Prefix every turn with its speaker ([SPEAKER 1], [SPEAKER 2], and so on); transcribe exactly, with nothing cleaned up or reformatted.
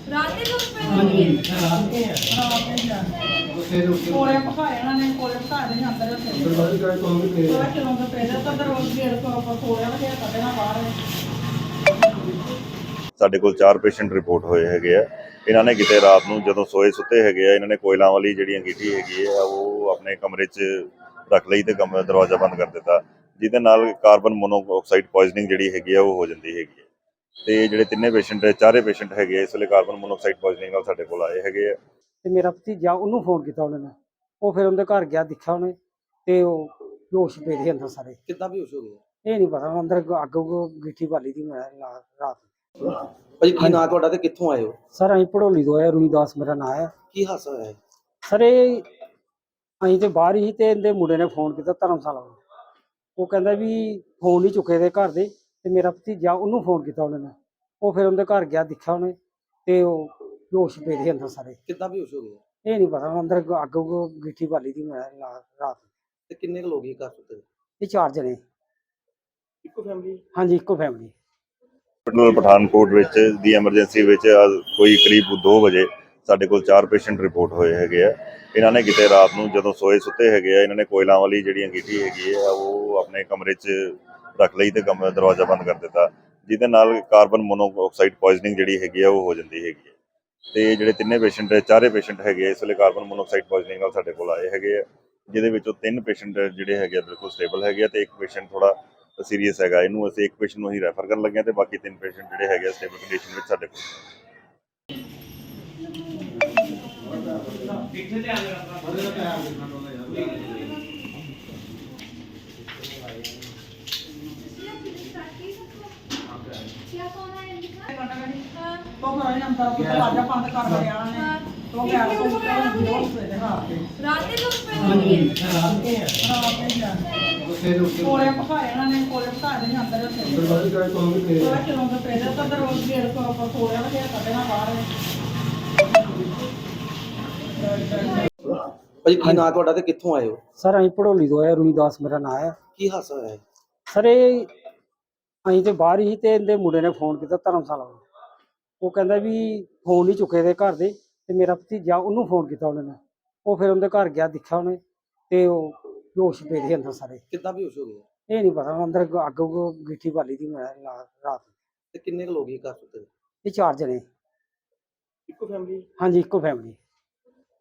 [SPEAKER 1] ਰਾਤ ਦੇ ਲੋਕ ਪੈਂਦੇ ਨੇ ਕੋਲੇ ਪਕਾਏ ਉਹਨਾਂ ਨੇ ਕੋਲੇ ਪਕਾ ਦੇ ਅੰਦਰ ਉੱਥੇ ਦਰਵਾਜ਼ੇ ਕਾਇ ਤੋਂ ਵੀ ਤੇ ਉਹ ਚਲੋਂ ਤੋਂ ਪਹਿਲਾਂ ਤਾਂ ਦਰਵਾਜ਼ੇ ਗੇਟ ਤੋਂ ਆਪਾਂ ਕੋਲੇ ਵਗਿਆ ਕੱਢਣਾ ਬਾਹਰ।
[SPEAKER 2] ਸਾਡੇ ਕੋਲ ਚਾਰ ਪੇਸ਼ੈਂਟ ਰਿਪੋਰਟ ਹੋਏ ਹੈਗੇ ਆ। ਇਹਨਾਂ ਨੇ ਕਿਤੇ ਰਾਤ ਨੂੰ ਜਦੋਂ ਸੋਏ ਸੁੱਤੇ ਹੈਗੇ ਆ, ਇਹਨਾਂ ਨੇ ਕੋਇਲਾਂ ਵਾਲੀ ਜਿਹੜੀ ਅੰਗੀਠੀ ਹੈਗੀ ਆ ਉਹ ਆਪਣੇ ਕਮਰੇ 'ਚ ਰੱਖ ਲਈ ਤੇ ਕਮਰਾ ਦਰਵਾਜ਼ਾ ਬੰਦ ਕਰ ਦਿੱਤਾ, ਜਿਹਦੇ ਨਾਲ ਕਾਰਬਨ ਮੋਨੋਆਕਸਾਈਡ ਪੋਇਜ਼ਨਿੰਗ ਜਿਹੜੀ ਹੈਗੀ ਆ ਉਹ ਹੋ ਜਾਂਦੀ ਹੈਗੀ ਹੈ। ਤੇ ਜਿਹੜੇ ਤਿੰਨੇ ਪੇਸ਼ੈਂਟ ਚਾਰੇ ਪੇਸ਼ੈਂਟ ਹੈਗੇ ਇਸ ਵੇਲੇ ਕਾਰਬਨ ਮੋਨੋਆਕਸਾਈਡ ਪੋਇਜ਼ਨਿੰਗ ਨਾਲ ਸਾਡੇ ਕੋਲ ਆਏ ਹੈਗੇ ਆ।
[SPEAKER 3] ਤੇ ਮੇਰਾ ਭਤੀਜਾ ਉਹਨੂੰ ਫੋਨ ਕੀਤਾ ਉਹਨਾਂ ਨੇ, ਉਹ ਫਿਰ ਉਹਦੇ ਘਰ ਗਿਆ, ਦੇਖਿਆ ਉਹਨੇ ਤੇ ਉਹ ਬੇਹੋਸ਼ ਪਏ ਦੇ ਅੰਦਰ ਸਾਰੇ।
[SPEAKER 4] ਕਿੱਦਾਂ ਬੇਹੋਸ਼ ਹੋ ਗਏ?
[SPEAKER 3] ਇਹ ਨਹੀਂ ਪਤਾ, ਅੰਦਰ ਅੱਗ ਗਿੱਠੀ ਬਾਲੀ ਦੀ ਮੈਂ ਰਾਤ।
[SPEAKER 4] ਭਾਜੀ ਕੀ ਨਾਂ ਤੁਹਾਡਾ ਤੇ ਕਿੱਥੋਂ ਆਏ ਹੋ?
[SPEAKER 3] ਸਰ ਅਸੀਂ ਭੜੋਲੀ ਤੋਂ ਆਏ, ਰੂਈਦਾਸ ਮੇਰਾ ਨਾਂ ਹੈ।
[SPEAKER 4] ਕੀ ਹਾਦਸਾ ਹੋਇਆ ਹੈ?
[SPEAKER 3] ਸਰ ਇਹ ਅਸੀਂ ਤੇ ਬਾਹਰ ਹੀ ਤੇ ਇਹਦੇ ਮੁੰਡੇ ਨੇ ਫੋਨ ਕੀਤਾ ਧਰਮਸ਼ਾਲਾ ਨੂੰ, ਉਹ ਕਹਿੰਦਾ ਵੀ ਫੋਨ ਨਹੀਂ ਚੁੱਕੇ ਦੇ ਘਰ ਦੇ, ਤੇ ਮੇਰਾ ਭਤੀਜਾ ਉਹਨੂੰ ਫੋਨ ਕੀਤਾ ਉਹਨਾਂ ਨੇ, ਉਹ ਫਿਰ ਉਹਦੇ ਘਰ ਗਿਆ, ਦੇਖਿਆ ਉਹਨੇ ਤੇ ਉਹ ਬੇਹੋਸ਼ ਪਏ ਦੇ ਅੰਦਰ ਸਾਰੇ।
[SPEAKER 4] ਕਿੱਦਾਂ ਬੇਹੋਸ਼ ਹੋ ਗਏ?
[SPEAKER 3] ਇਹ ਨਹੀਂ ਪਤਾ, ਅੰਦਰ ਅੱਗ ਗਿੱਠੀ ਬਾਲੀ ਦੀ ਮੈਂ ਰਾਤ।
[SPEAKER 4] ਤੇ ਕਿੰਨੇ ਕੁ ਲੋਕ ਇਹ ਘਰ ਸੁੱਤੇ?
[SPEAKER 3] ਇਹ ਚਾਰ ਜਣੇ।
[SPEAKER 4] ਇੱਕੋ ਫੈਮਿਲੀ?
[SPEAKER 3] ਹਾਂਜੀ, ਇੱਕੋ ਫੈਮਿਲੀ।
[SPEAKER 2] ਹਸਪੀਟਲ ਪਠਾਨਕੋਟ ਵਿੱਚ ਦੀ ਐਮਰਜੈਂਸੀ ਵਿੱਚ ਕੋਈ ਕਰੀਬ ਦੋ ਵਜੇ ਸਾਡੇ ਕੋਲ ਚਾਰ ਪੇਸ਼ੈਂਟ ਰਿਪੋਰਟ ਹੋਏ ਹੈਗੇ ਆ। ਇਹਨਾਂ ਨੇ ਕਿਤੇ ਰਾਤ ਨੂੰ ਜਦੋਂ ਸੋਏ ਸੁੱਤੇ ਹੈਗੇ ਆ, ਇਹਨਾਂ ਨੇ ਕੋਇਲਾਂ ਵਾਲੀ ਜਿਹੜੀ ਅੰਗੀਠੀ ਹੈਗੀ ਆ ਉਹ ਆਪਣੇ ਕਮਰੇ 'ਚ ਰੱਖ ਲਈ ਤੇ ਕਮਰਾ ਦਰਵਾਜ਼ਾ ਬੰਦ ਕਰ ਦਿੱਤਾ, ਜਿਹਦੇ ਨਾਲ ਕਾਰਬਨ ਮੋਨੋਆਕਸਾਈਡ ਪੋਇਜ਼ਨਿੰਗ ਜਿਹੜੀ ਹੈਗੀ ਆ ਉਹ ਹੋ ਜਾਂਦੀ ਹੈਗੀ ਹੈ। ਤੇ ਜਿਹੜੇ ਤਿੰਨੇ ਪੇਸ਼ੈਂਟ ਚਾਰੇ ਪੇਸ਼ੈਂਟ ਹੈਗੇ ਆ ਇਸ ਵੇਲੇ ਕਾਰਬਨ ਮੋਨੋਆਕਸਾਈਡ ਪੋਇਜ਼ਨਿੰਗ ਨਾਲ ਸਾਡੇ ਕੋਲ ਆਏ ਹੈਗੇ ਆ, ਜਿਹਦੇ ਵਿੱਚੋਂ ਤਿੰਨ ਪੇਸ਼ੈਂਟ ਜਿਹੜੇ ਹੈਗੇ ਆ ਬਿਲਕੁਲ ਸਟੇਬਲ ਹੈਗੇ ਆ ਤੇ ਇੱਕ ਪੇਸ਼ੈਂਟ ਥੋੜਾ ਸੀਰੀਅਸ ਹੈਗਾ। ਇਹਨੂੰ ਅਸੀਂ ਇੱਕ ਪੇਸ਼ੈਂਟ ਨੂੰ ਹੀ ਰੈਫਰ ਕਰਨ ਲੱਗੇ ਤੇ ਬਾਕੀ ਤਿੰਨ ਪੇਸ਼ੈਂਟ ਜਿਹੜੇ ਹੈਗੇ ਸਟੇਬਲ ਕੰਡੀਸ਼ਨ ਵਿੱਚ ਸਾਡੇ ਕੋਲ।
[SPEAKER 1] तो घर अंदर दरवाजा बंद कर दिया ने तो गैस को बेहोश हुए थे। हां रात के लोग पैंਦੇ ने कोले पकाए ਉਹਨਾਂ ਨੇ ਕੋਲੇ ਪਕਾ ਦੇ ਅੰਦਰ ਉੱਥੇ ਦਰਵਾਜ਼ੇ ਕਾਇ ਤੋਂ ਵੀ ਤੇ ਉਹ ਚਲੋਂ ਤੋਂ ਪਹਿਲਾਂ ਤਾਂ ਦਰਵਾਜ਼ੇ ਗੇਟ ਤੋਂ ਆਪਾਂ ਕੋਲੇ ਵਗਿਆ ਕੱਢਣਾ ਬਾਹਰ।
[SPEAKER 4] ਭਾਜੀ ਕੀ ਨਾਂ ਤੁਹਾਡਾ ਤੇ ਕਿੱਥੋਂ ਆਏ ਹੋ?
[SPEAKER 3] ਸਰ ਅਸੀਂ ਭੜੋਲੀ ਤੋਂ ਆਏ, ਰੂਈਦਾਸ ਮੇਰਾ ਨਾਂ ਹੈ।
[SPEAKER 4] ਕੀ ਹਾਦਸਾ ਹੋਇਆ ਹੈ?
[SPEAKER 3] ਸਰ ਇਹ ਅਸੀਂ ਤੇ ਬਾਹਰ ਹੀ ਤੇ ਇਹਦੇ ਮੁੰਡੇ ਨੇ ਫੋਨ ਕੀਤਾ ਧਰਮਸ਼ਾਲਾ ਨੂੰ, ਉਹ ਕਹਿੰਦਾ ਵੀ ਫੋਨ ਨਹੀਂ ਚੁੱਕੇ ਦੇ ਘਰ ਦੇ, ਤੇ ਮੇਰਾ ਭਤੀਜਾ ਉਹਨੂੰ ਫੋਨ ਕੀਤਾ ਉਹਨਾਂ ਨੇ, ਉਹ ਫਿਰ ਉਹਦੇ ਘਰ ਗਿਆ, ਦੇਖਿਆ ਉਹਨੇ ਤੇ ਉਹ ਬੇਹੋਸ਼ ਪਏ ਦੇ ਅੰਦਰ ਸਾਰੇ।
[SPEAKER 4] ਕਿੱਦਾਂ ਬੇਹੋਸ਼ ਹੋ ਗਏ?
[SPEAKER 3] ਇਹ ਨਹੀਂ ਪਤਾ, ਅੰਦਰ ਅੱਗ ਗਿੱਠੀ ਬਾਲੀ ਦੀ ਮੈਂ ਰਾਤ।
[SPEAKER 4] ਤੇ ਕਿੰਨੇ ਕੁ ਲੋਕ ਇਹ ਘਰ ਸੁੱਤੇ?
[SPEAKER 3] ਇਹ ਚਾਰ ਜਣੇ।
[SPEAKER 4] ਇੱਕੋ ਫੈਮਿਲੀ?
[SPEAKER 3] ਹਾਂਜੀ, ਇੱਕੋ ਫੈਮਿਲੀ।